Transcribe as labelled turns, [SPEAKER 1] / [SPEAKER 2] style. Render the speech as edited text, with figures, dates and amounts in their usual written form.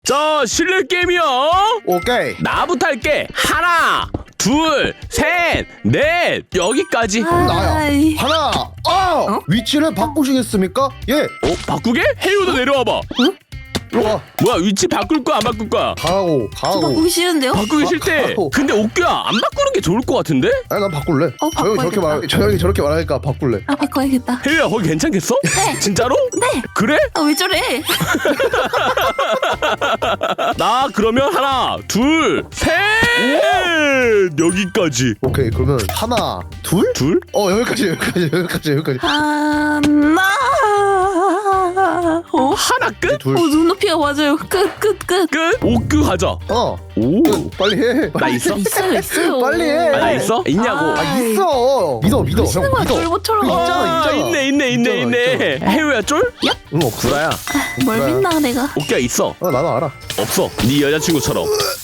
[SPEAKER 1] 자, 실내 게임이야.
[SPEAKER 2] 오케이.
[SPEAKER 1] 나부터 할게. 하나, 둘, 셋, 넷. 여기까지.
[SPEAKER 2] 나야. 하나. 위치를 바꾸시겠습니까? 예.
[SPEAKER 1] 바꾸게? 해유도 내려와봐.
[SPEAKER 2] 일로 와.
[SPEAKER 1] 뭐야, 위치 바꿀 거야, 안 바꿀 거야?
[SPEAKER 2] 가고.
[SPEAKER 3] 저 바꾸기 싫은데요?
[SPEAKER 1] 바꾸기 싫대.
[SPEAKER 2] 가고.
[SPEAKER 1] 근데 옥규야, 안 바꾸는 게 좋을 것 같은데?
[SPEAKER 2] 아니 난 바꿀래.
[SPEAKER 3] 바꿔야겠다.
[SPEAKER 2] 저 형이 저렇게 말하니까 바꿀래.
[SPEAKER 3] 바꿔야겠다.
[SPEAKER 1] 해유야, 거기 괜찮겠어?
[SPEAKER 3] 네.
[SPEAKER 1] 진짜로?
[SPEAKER 3] 네.
[SPEAKER 1] 그래?
[SPEAKER 3] 왜 저래?
[SPEAKER 1] 나 그러면 하나, 둘, 셋. 여기까지.
[SPEAKER 2] 오케이. 그러면 하나, 둘?
[SPEAKER 1] 둘?
[SPEAKER 2] 여기까지.
[SPEAKER 3] 하나.
[SPEAKER 1] 하나 끝?
[SPEAKER 2] 둘.
[SPEAKER 3] 눈높이가 맞아요. 끝.
[SPEAKER 1] 끝? 옥규 가자. 오.
[SPEAKER 2] 빨리 해.
[SPEAKER 1] 나 있어?
[SPEAKER 3] 있어요.
[SPEAKER 2] 빨리 해.
[SPEAKER 1] 나 있어? 있냐고.
[SPEAKER 2] 있어. 믿어.
[SPEAKER 3] 하시는
[SPEAKER 2] 형
[SPEAKER 3] 거야,
[SPEAKER 2] 믿어.
[SPEAKER 3] 쫄보처럼.
[SPEAKER 2] 있잖아.
[SPEAKER 1] 있네. 해유야, 쫄?
[SPEAKER 2] 응, 없어.
[SPEAKER 1] 구라야.
[SPEAKER 3] 뭘 믿나 내가.
[SPEAKER 1] 옥규야, 있어.
[SPEAKER 2] 나도 알아.
[SPEAKER 1] 없어. 네 여자친구처럼.